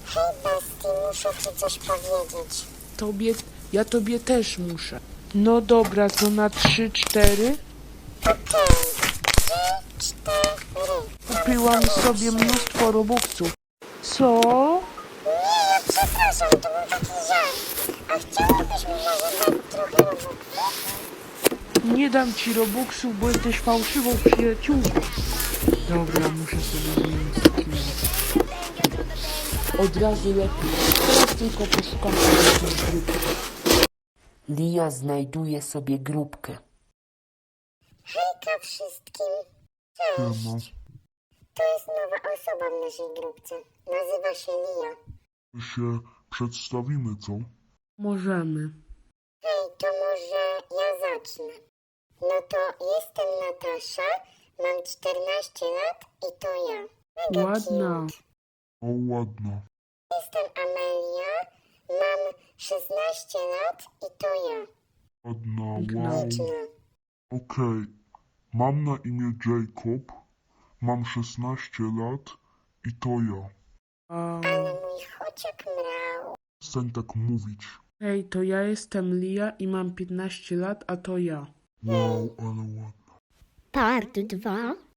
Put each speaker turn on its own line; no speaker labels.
Hej, Basti, muszę ci coś powiedzieć.
Ja tobie też muszę. No dobra, to na 3, 4.
Okej. 3, 4.
Kupiłam sobie mnóstwo robuxów. Co?
Nie, ja przepraszam, to był taki żart. A chciałabyś mi może dać trochę robuxów?
Nie dam ci robuxów, bo jesteś fałszywą przyjaciółką. Dobra, muszę sobie zmienić skin. Od razu lepiej. Teraz tylko poszukam jakiejś grupy. Lia znajduje sobie grupkę.
Hejka wszystkim. Cześć. To jest nowa osoba w naszej grupce. Nazywa się Lia.
Się przedstawimy, co?
Możemy.
Hej, to może ja zacznę. No to jestem Natasza, mam 14 lat i to ja. Mega
Ładna.
cute.
O, ładno.
Jestem Amelia, mam 16 lat i to ja.
Ładna,
Piękna.
wow.
Liczna.
Okej. Mam na imię Jacob. Mam 16 lat i to ja.
Ale mój chociak mrał.
Przestań tak mówić.
Hej, to ja jestem Lia i mam 15 lat, a to ja.
Wow, ale ładno.
Part 2.